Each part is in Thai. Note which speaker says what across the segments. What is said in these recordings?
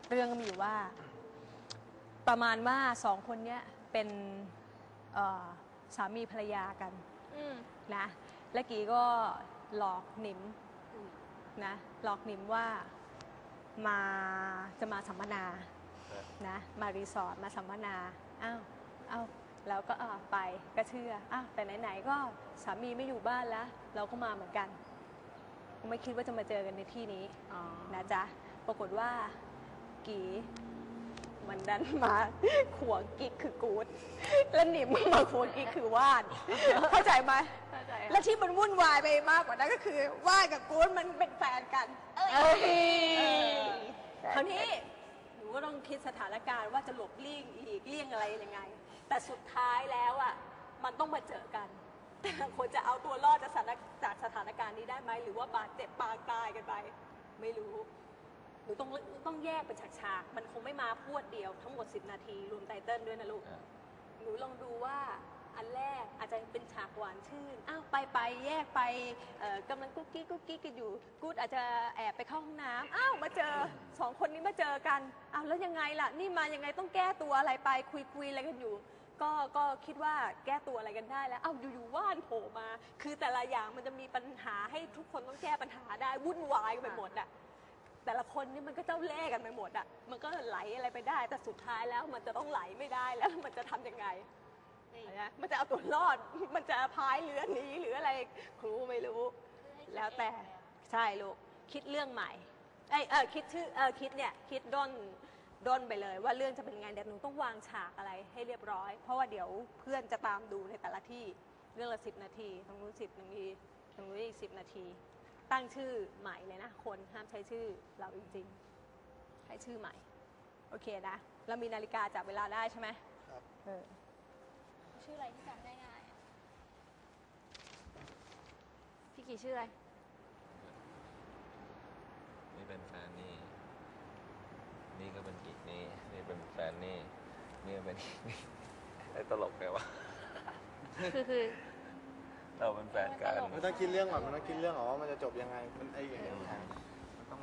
Speaker 1: เรื่องก็มีอยู่ว่าประมาณว่าสองคนเนี้ยเป็นสามีภรรยากันนะและกีก็หลอกหนิมนะหลอกหนิมว่าจะมาสัมมนานะมารีสอร์ทมาสัมมนาอ้าวแล้วก็ไปก็เชื่อแต่ไหนๆก็สามีไม่อยู่บ้านแล้วเราก็มาเหมือนกันไม่คิดว่าจะมาเจอกันในที่นี้นะจ๊ะปรากฏว่ากีมันดันมาขวงกิ๊กคือกู๊ดแล้วหนิมมาขวงกิ๊กคือว่านเข้าใจไหมเข้าใจและที่มันวุ่นวายไปมากกว่านั้นก็คือว่านกับกู๊ดมันเป็นแฟนกันคราวนี้หนูก็ต้องคิดสถานการณ์ว่าจะหลบเลี่ยงอีกเลี่ยงอะไรยังไงแต่สุดท้ายแล้วอ่ะมันต้องมาเจอกันแต่คนจะเอาตัวรอดจากสถานการณ์นี้ได้ไหมหรือว่าบาดเจ็บปางตายกันไปไม่รู้หนูต้องแยกเป็นฉากๆมันคงไม่มาพรวดเดียวทั้งหมด10 นาทีรวมไตเติ้ลด้วยนะลูกหนูลองดูว่าอันแรกอาจจะเป็นฉากหวานชื่นไปแยกไปกำลังกุ๊กกิ๊กกันอยู่กู๊ดอาจจะแอบไปเข้าห้องน้ำมาเจอ2 คนนี้มาเจอกันแล้วยังไงล่ะนี่มายังไงต้องแก้ตัวอะไรไปคุยอะไรกันอยู่ก็คิดว่าแก้ตัวอะไรกันได้แล้วอยู่ๆว่านโผล่มาคือแต่ละอย่างมันจะมีปัญหาให้ทุกคนต้องแก้ปัญหาได้วุ่นวายกันไปหมดอะแต่ละคนนี่มันก็เจ้าเล่ห์กันไปหมดอะมันก็ไหลอะไรไปได้แต่สุดท้ายแล้วมันจะต้องไหลไม่ได้แล้วมันจะทำยังไงมันจะเอาตัวรอดมันจะพายเรือหนีหรืออะไรครูไม่รู้แล้วแต่ใช่ลูกคิดเรื่องใหม่คิดชื่อคิดด้นไปเลยว่าเรื่องจะเป็นไงเดี๋ยวหนูต้องวางฉากอะไรให้เรียบร้อยเพราะว่าเดี๋ยวเพื่อนจะตามดูในแต่ละที่เรื่องละ10 นาทีตรงนู้น10 นาทีตรงนู้นอีก10 นาทีตั้งชื่อใหม่เลยนะคนห้ามใช้ชื่อเราจริงๆให้ชื่อใหม่โอเคนะเรามีนาฬิกาจับเวลาได้ใช่ไหมครับ
Speaker 2: ชื่ออะไรที่จำได้ง่ายพี่กี่ชื่ออะไร
Speaker 3: นี่เป็นแฟนนี่ก็เป็นกิ๊กนี่เป็นแฟนนี่ก็เป็นนี่ไอ้ตลกไงวะ
Speaker 2: คือ
Speaker 3: เราเป็นแฟนกัน
Speaker 4: มันต้องคิดเรื่องก่อนมันต้องคิดเรื่องว่ามันจะจบยังไงมันอย่างนี้มันต้อง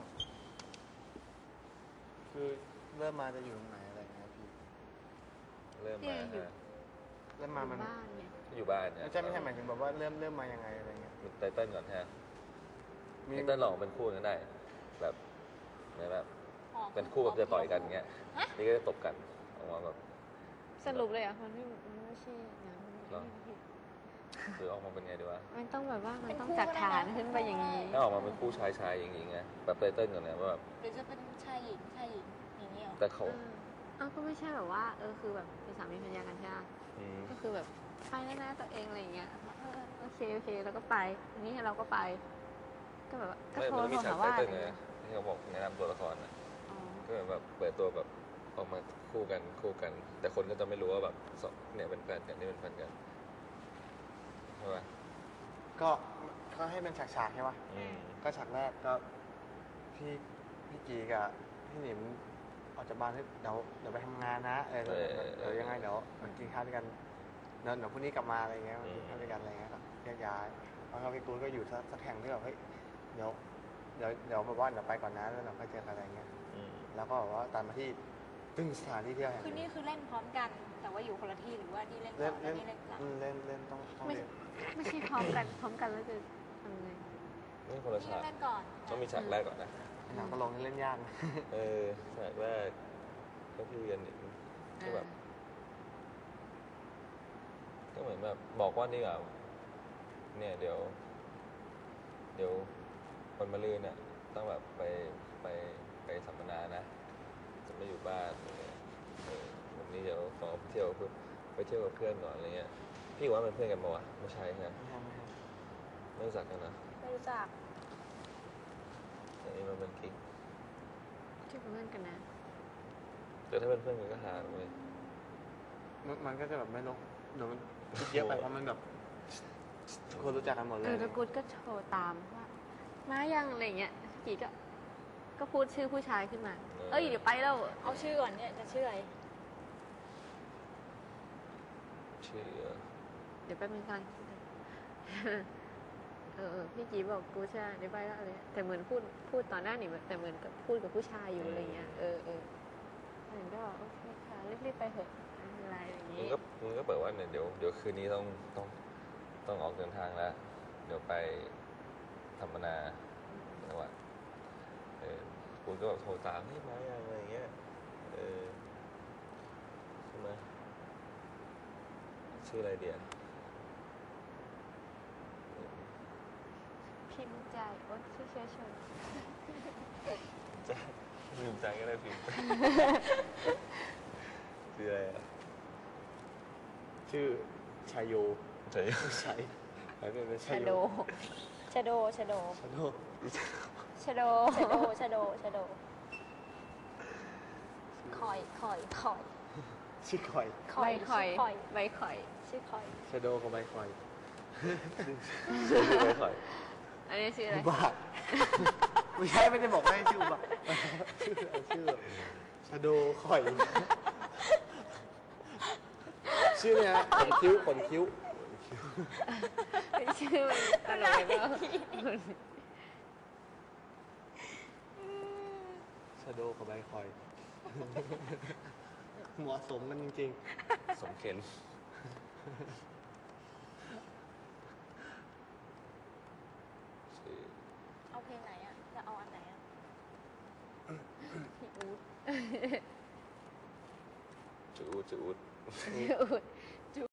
Speaker 4: คือเริ่มมาจะอยู่ตรงไหนอะไรเงี้ยพี่
Speaker 3: เริ่ม
Speaker 4: มามัน
Speaker 3: อยู่บ้านเนี่ย
Speaker 4: ไม่ใช่หมายถึงแบบว่าเริ่มมายังไงอะไรเงี้ย
Speaker 3: ไตเติ้ลก่อนฮะไตเติ้ลลองเป็นคู่กันได้แบบเป็นคู่แบบจะต่อยกันเงี้ยนี่ก็จะตบกันออกมาแบบ
Speaker 2: สรุปเลยมันไม่ใช่นะ
Speaker 3: หรือออกมาเป็นไงดีวะ
Speaker 2: มันต้องแบบว่ามันต้องจากฐานขึ้นไปอย่างนี้
Speaker 3: ถ้าออกมาเป็นคู่ชายอย่างงี้ไงแบบไตเติ้ลก่อนเนี่ยว่าแบบ
Speaker 2: หรือจะเป็นชายหญิงอย่างนี้หรอ
Speaker 3: แต่เขา
Speaker 2: ก็ไม่ใช่แบบว่าคือแบบเป็นสามีภรรยากันใช่ไหมก็คือแบบไปแน่ๆตัวเองอะไรอย่างเงี้ยโอเคแล้วก็ไปอันนี้เราก็ไปก็แบบก็โทรหาว่า
Speaker 3: ที่เขาบอกแนะนำตัวละครนะก็แบบเปิดตัวแบบออกมาคู่กันแต่คนก็จะไม่รู้ว่าแบบเนี่ยเป็นแฟนกันนี่เป็นแฟนกันใช่ไหม
Speaker 4: ก็ให้เป็นฉากๆใช่ไหมก็ฉากแรกก็พี่กีกับพี่หนิมออกจากบ้านเดี๋ยวไปทำงานนะเดี๋ยวยังไงเดี๋ยวมันกินข้าวด้วยกันเดี๋ยวพรุ่งนี้กลับมาอะไรเงี้ยกินข้าวด้วยกันอะไรเงี้ยก็แยกย้ายแล้วก็พี่กูก็อยู่สักแห่งที่แบบเฮ้ยเดี๋ยวแบบว่าเดี๋ยวไปก่อนนะแล้วเราค่อยเจอกันอะไรเงี้ยแล้วก็แบบว่าตามมาที่ตึ้งสถานที่เที่ยวแห่ง
Speaker 2: คือนี่คือเล่นพร้อมกันแต่ว่าอยู่คนละที่หรือว่านี่เล่นก่อนนี่เล่นหลัง
Speaker 4: เล่นต้องเล่น
Speaker 2: ไม่ใช่พร้อมกันแล้วจะทำไง
Speaker 3: นี่คนละฉาก
Speaker 2: เล่นก่อน
Speaker 3: ต้องมีฉากแรกก่อนนะ
Speaker 4: หนังก็ลงเล่นยาก
Speaker 3: ฉากแรกก็พี่เรียนก็แบบก็เหมือนแบบบอกว่านี่แบบเนี่ยเดี๋ยววันมะรืนเนี่ยต้องแบบไปสัมมนานะจะไม่อยู่บ้านวันนี้เดี๋ยวขอไปเที่ยวกับเพื่อนก่อนอะไรเงี้ยพี่ว่าเป็นเพื่อนกันมั้วะไม่ใช่ใช่ไม่รู้จักกันนะ
Speaker 2: ไม่รู้จัก
Speaker 3: แต่นี่มันเป็นกิ๊ก
Speaker 2: ชื่อเพื่อนกันนะ
Speaker 3: แต่ถ้าเป็นเพื่อนกันก็หาเลย
Speaker 4: มันก็จะแบบไม่ลงเดี๋ยวมันเยอะไปเพราะมันแบบคนรู้จักกันหมดเลย
Speaker 2: แล้วกูก็โชว์ตามว่ามายังอะไรเงี้ยกี่ก็พูดชื่อผู้ชายขึ้นมาเดี๋ยวไปแล้วเอาชื่อก่อนเนี่ยจะชื่ออะไร
Speaker 3: ชื่อ
Speaker 2: เดี๋ยวแป๊บนึงกันพี่จีบอกกูใช่เดี๋ยวไปแล้วอะไรแต่เหมือนพูดตอนหน้านี่แต่เหมือนกับพูดกับผู้ชายอยู่อะไรเงี้ยไปเถอะไม่เป็นไรอย่าง
Speaker 3: มึ
Speaker 2: นี้
Speaker 3: งก็เปิดว่าเนี่ยเดี๋ยวคืนนี้ต้องออกเดินทางแล้ว เดี๋ยวไปสัมมนาจังหวัดคุณก็แบบโทรตามให้มาอะไรอย่างเงี้ยใช่ไหมชื่ออะไรเดีย
Speaker 2: พิมพ์ใจโอ๊ยชื่อเชื้อชน
Speaker 3: จะพิมพ์ใจก็ได้พิมพ์ ชื่ออะไรอ่ะ
Speaker 4: ชื่อชายโย
Speaker 3: ใช่
Speaker 4: ชัยแล้วเป็น
Speaker 2: ชาโด
Speaker 1: ชะโดชะโด
Speaker 4: ชาโด
Speaker 2: ชาโด
Speaker 1: ชะโดชะโดชะโดคอยคอยคอย
Speaker 4: ชื่อคอย
Speaker 1: ค
Speaker 2: ใบ
Speaker 1: อย
Speaker 2: ข่อย
Speaker 1: ชื่อคอย
Speaker 2: ใบข่อย
Speaker 1: ชื่อคอย
Speaker 4: ชาโดกับใบคอย
Speaker 3: ชื่อไม่ค่อย
Speaker 2: อันนี้ชื่ออะไร
Speaker 4: อุบาทไม่ใช่ไม่ได้บอกให้ชื่ออุบาทชื่อชาโดคอย ชื่อเนี่ยฮะขนคิ้ว
Speaker 2: เป็นชื่อมันตลกเลยเปล่า
Speaker 4: ชาโดกับใบคอย เหมาะสมกันจริง
Speaker 3: สมเข็นชื่อ
Speaker 1: เอาเพลงไหนอ่ะ จะเอาอันไหนอ่ะ
Speaker 2: พี่อู๊ด
Speaker 3: จูด
Speaker 2: พี่อู๊ด